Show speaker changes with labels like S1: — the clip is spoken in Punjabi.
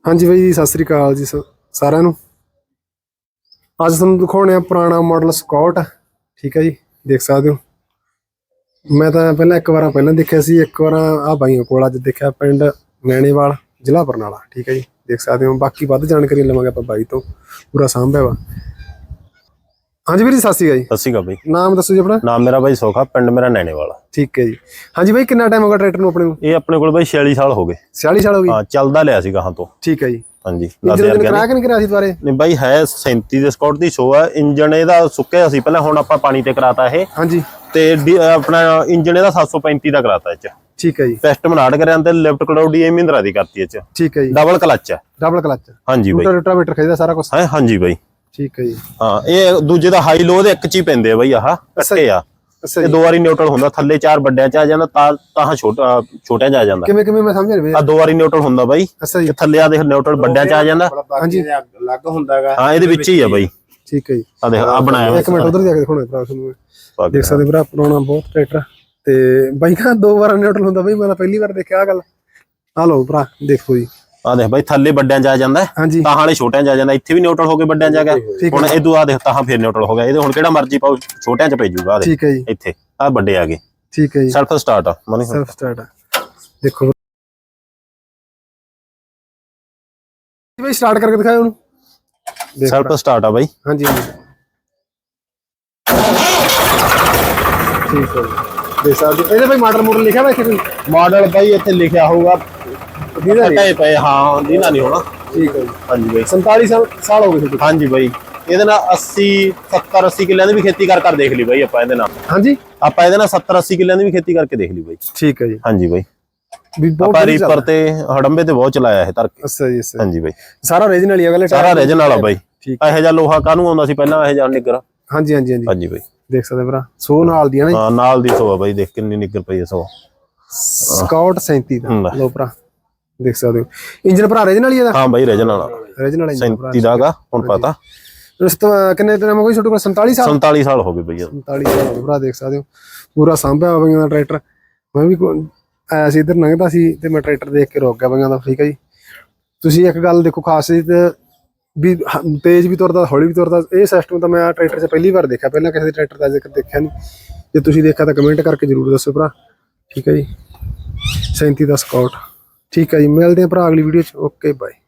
S1: हाँ जी भाई सत श्री अकाल जी सारिਆਂ ਨੂੰ। ਅੱਜ ਤੁਹਾਨੂੰ ਦਿਖਾਉਣੇ ਆ ਪੁਰਾਣਾ ਮਾਡਲ ਸਕਾਟ। ठीक है जी, देख सकते हो। मैं तो पहले एक बार पहले देखा सी, एक बार आ भाइयों को अज देखा पिंड नैणेवाल जिला बरनाला। ठीक है जी, देख सकते हो। बाकी वध जानकारी लवांगे आप भाई तो पूरा सांभा वा। हाँ जी भाई सत श्री अकाल जी।
S2: सत श्री अकाल भाई।
S1: नाम दसो जी अपना।
S2: नाम मेरा भाई सोखा, पिंड मेरा नैणेवाल।
S1: ठीक है जी। हाँ जी भाई कितना टाइम हो गया ट्रैक्टर ਨੂੰ ਆਪਣੇ ਨੂੰ?
S2: ਇਹ ਆਪਣੇ ਕੋਲ ਭਾਈ 46 ਸਾਲ ਹੋ ਗਏ।
S1: 46 ਸਾਲ ਹੋ ਗਏ?
S2: ਹਾਂ, ਚੱਲਦਾ ਲਿਆ ਸੀ ਗਾਹਾਂ ਤੋਂ।
S1: ਠੀਕ ਹੈ ਜੀ।
S2: ਹਾਂਜੀ,
S1: ਕਰਾ ਕੇ ਨਹੀਂ ਕਰਾਇਆ ਸੀ ਦੁਬਾਰੇ?
S2: ਨਹੀਂ ਬਾਈ, ਹੈ 37 ਦੇ ਸਕਾਟ ਦੀ ਸ਼ੋ ਆ। ਇੰਜਨ ਇਹਦਾ ਸੁੱਕਿਆ ਸੀ ਪਹਿਲਾਂ, ਹੁਣ ਆਪਾਂ ਪਾਣੀ ਤੇ ਕਰਾਤਾ ਇਹ। ਹਾਂਜੀ। ਤੇ ਆਪਣਾ ਇੰਜਨ ਇਹਦਾ 735 ਦਾ ਕਰਾਤਾ ਇਹ ਚ। ਠੀਕ ਹੈ ਜੀ। ਪਿਸਟਨ ਆਡ ਕਰਿਆ ਤੇ ਲਿਫਟ ਕਲੌਡੀ ਇਹ ਮਹਿੰਦਰਾ ਦੀ ਕਰਤੀ ਇਹ ਚ। ਠੀਕ ਹੈ ਜੀ। ਡਬਲ ਕਲਚ ਹੈ। Double clutch. ਹਾਂਜੀ ਬਾਈ। ਰੋਟਾਵੇਟਰ ਖਿੱਚਦਾ ਸਾਰਾ ਕੁਝ ਹੈ। ਹਾਂਜੀ ਬਾਈ। ਠੀਕ ਹੈ ਜੀ। ਹਾਂ, ਇਹ ਦੂਜੇ ਦਾ ਹਾਈ ਲੋ ਦੇ ਇੱਕ ਚ ਹੀ ਪੈਂਦੇ ਆ ਬਾਈ। ਆਹ ਕੱਟੇ ਆ। ਇਹ ਦੋ ਵਾਰੀ ਨਿਊਟਰਲ ਹੁੰਦਾ, ਥੱਲੇ 4 ਵੱਡਿਆਂ ਚ ਆ ਜਾਂਦਾ, ਤਾਂ ਛੋਟਿਆਂ ਚ ਆ ਜਾਂਦਾ। ਕਿਵੇਂ ਕਿਵੇਂ ਮੈਂ ਸਮਝ ਨਹੀਂ ਆ। ਦੋ ਵਾਰੀ ਨਿਊਟਰਲ ਹੁੰਦਾ ਬਾਈ, ਥੱਲੇ ਆ ਦੇਖ ਨਿਊਟਰਲ ਵੱਡਿਆਂ ਚ ਆ ਜਾਂਦਾ। ਹਾਂਜੀ, ਅਲੱਗ ਹੁੰਦਾ ਹੈਗਾ। ਹਾਂ, ਇਹਦੇ ਵਿੱਚ ਹੀ ਆ ਬਾਈ। ਠੀਕ ਹੈ ਜੀ। ਆ ਦੇਖ ਆ ਬਣਾਇਆ। ਇੱਕ ਮਿੰਟ ਉਧਰ ਜਾ ਕੇ ਦਿਖਾਉਣਾ ਭਰਾ ਤੁਹਾਨੂੰ। ਦੇਖ ਸਕਦੇ ਭਰਾ ਪੁਰਾਣਾ ਬਹੁਤ ਟਰੈਕਟਰ ਤੇ ਬਾਈ ਕਾ 2 ਵਾਰ ਨਿਊਟਰਲ ਹੁੰਦਾ ਬਾਈ। ਮੈਂ ਪਹਿਲੀ ਵਾਰ ਦੇਖਿਆ ਆ ਗੱਲ। ਆ ਲਓ ਭਰਾ ਦੇਖੋ ਜੀ। ਆ ਦੇਖ ਬਾਈ, ਥੱਲੇ ਵੱਡਿਆਂ ਚ ਆ ਜਾਂਦਾ, ਤਾਂ ਹਾਲੇ ਛੋਟਿਆਂ ਚ ਆ ਜਾਂਦਾ। ਇੱਥੇ ਵੀ ਨਿਊਟਰਲ ਹੋ ਕੇ ਵੱਡਿਆਂ ਚ ਆ ਗਿਆ। ਹੁਣ ਇਦੋਂ ਆ ਦੇਖ ਤਾਂ ਫਿਰ ਨਿਊਟਰਲ ਹੋ ਗਿਆ। ਇਹਦੇ ਹੁਣ ਕਿਹੜਾ ਮਰਜ਼ੀ ਪਾਓ, ਛੋਟਿਆਂ ਚ ਭੇਜੂਗਾ। ਠੀਕ ਹੈ ਜੀ। ਇੱਥੇ ਆ ਵੱਡੇ ਆ ਗਏ। ਠੀਕ ਹੈ ਜੀ। ਸੈਲਫ ਸਟਾਰਟ ਆ ਮਨੀ। ਸੈਲਫ ਸਟਾਰਟ ਆ। ਦੇਖੋ ਬਾਈ, ਸਟਾਰਟ ਕਰਕੇ ਦਿਖਾਓ ਉਹਨੂੰ। ਸੈਲਫ ਸਟਾਰਟ ਆ ਬਾਈ। ਹਾਂਜੀ ਹਾਂਜੀ, ਠੀਕ ਹੈ ਜੀ। ਦੇਖ ਸਕਦੇ ਇਹਦੇ ਬਾਈ ਮਾਡਲ ਲਿਖਿਆ ਵਾ ਇੱਥੇ ਕੋਈ? ਮਾਡਲ ਬਾਈ ਇੱਥੇ ਲਿਖਿਆ ਹੋਊਗਾ, ਹਟਾਏ ਪਏ। ਹਾਂ, ਦੀਨਾ ਨਹੀਂ ਹੋਣਾ। ਠੀਕ ਹੈ ਜੀ। ਹਾਂਜੀ ਬਾਈ, 47 ਸਾਲ ਹੋ ਗਏ ਸੀ। ਹਾਂਜੀ ਬਾਈ, ਇਹਦੇ ਨਾਲ 70-80 ਕਿੱਲਿਆਂ ਦੀ ਵੀ ਖੇਤੀ ਕਰ ਦੇਖ ਲਈ ਬਾਈ ਆਪਾਂ ਇਹਦੇ ਨਾਲ। ਹਾਂਜੀ, ਆਪਾਂ ਇਹਦੇ ਨਾਲ 70-80 ਕਿੱਲਿਆਂ ਦੀ ਵੀ ਖੇਤੀ ਕਰਕੇ ਦੇਖ ਲਈ ਬਾਈ। ਠੀਕ ਹੈ ਜੀ। ਹਾਂਜੀ ਬਾਈ, ਆਪਾਂ ਰੀਪਰ ਤੇ ਹੜੰਬੇ ਤੇ ਬਹੁਤ ਚਲਾਇਆ ਇਹ ਧਰ ਕੇ। ਅੱਛਾ ਜੀ। ਹਾਂਜੀ ਬਾਈ, ਸਾਰਾ ਓਰੀਜਨਲ ਹੀ ਆ ਗੱਲ। ਸਾਰਾ ਓਰੀਜਨਲ ਆ ਬਾਈ। ਇਹੋ ਜਿਹਾ ਲੋਹਾ ਕਾਹਨੂੰ ਆਉਂਦਾ ਸੀ ਪਹਿਲਾਂ, ਇਹੋ ਜਿਹਾ ਨਿੱਗਰ। ਹਾਂਜੀ ਹਾਂਜੀ ਹਾਂਜੀ। ਹਾਂਜੀ ਬਾਈ, ਦੇਖ ਸਕਦੇ ਭਰਾ। ਸੋ ਨਾਲ ਦੀ ਨਾ। ਹਾਂ, ਨਾਲ ਦੀ ਸੋ ਆ ਬਾਈ। ਦੇਖ ਕਿੰਨੀ ਨਿੱਗਰ ਪਈ ਹੈ ਸੋ। ਸਕਾਟ 37 ਦਾ ਲੋ ਭਰਾ, ਦੇਖ ਸਕਦੇ ਹੋ। ਇੰਜਨ ਭਰਾ ਓਰੀਜਨਲ ਹੀ ਇਹਦਾ? ਹਾਂ ਬਾਈ, ਓਰੀਜਨਲ ਆ। ਓਰੀਜਨਲ ਇੰਜਨ 37 ਦਾ ਗਾ। ਹੁਣ ਪਤਾ ਕਿੰਨੇ ਦਿਨ ਹੋ ਗਏ ਤੁਹਾਡੇ ਕੋਲ? 47 ਸਾਲ। 47 ਸਾਲ ਹੋ ਗਏ ਬਈ। 47 ਸਾਲ ਹੋ ਗਏ ਭਰਾ, ਦੇਖ ਸਕਦੇ ਹੋ। ਪੂਰਾ ਸਾਂਭਿਆ ਬਈਆਂ ਦਾ ਟਰੈਕਟਰ। ਮੈਂ ਵੀ ਆਇਆ ਸੀ ਇੱਧਰ, ਲੰਘਦਾ ਸੀ ਤੇ ਮੈਂ ਟਰੈਕਟਰ ਦੇਖ ਕੇ ਰੁਕ ਗਿਆ ਬਈਆਂ ਦਾ। ਠੀਕ ਹੈ ਜੀ। ਤੁਸੀਂ ਇੱਕ ਗੱਲ ਦੇਖੋ ਖਾਸ ਵੀ, ਤੇਜ਼ ਵੀ ਤੁਰਦਾ, ਹੌਲੀ ਵੀ ਤੁਰਦਾ। ਇਹ ਸਿਸਟਮ ਤਾਂ ਮੈਂ ਟਰੈਕਟਰ 'ਚ ਪਹਿਲੀ ਵਾਰ ਦੇਖਿਆ। ਪਹਿਲਾਂ ਕਿਸੇ ਦੇ ਟਰੈਕਟਰ ਦਾ ਜ਼ਿਕਰ ਦੇਖਿਆ ਨਹੀਂ। ਜੇ ਤੁਸੀਂ ਦੇਖਿਆ ਤਾਂ ਕਮੈਂਟ ਕਰਕੇ ਜ਼ਰੂਰ ਦੱਸੋ ਭਰਾ। ਠੀਕ ਹੈ ਜੀ। 37 ਦਾ ਸਕਾਟ। ਠੀਕ ਹੈ ਜੀ, ਮਿਲਦੇ ਹਾਂ ਭਰਾ ਅਗਲੀ ਵੀਡੀਓ 'ਚ। Okay bye.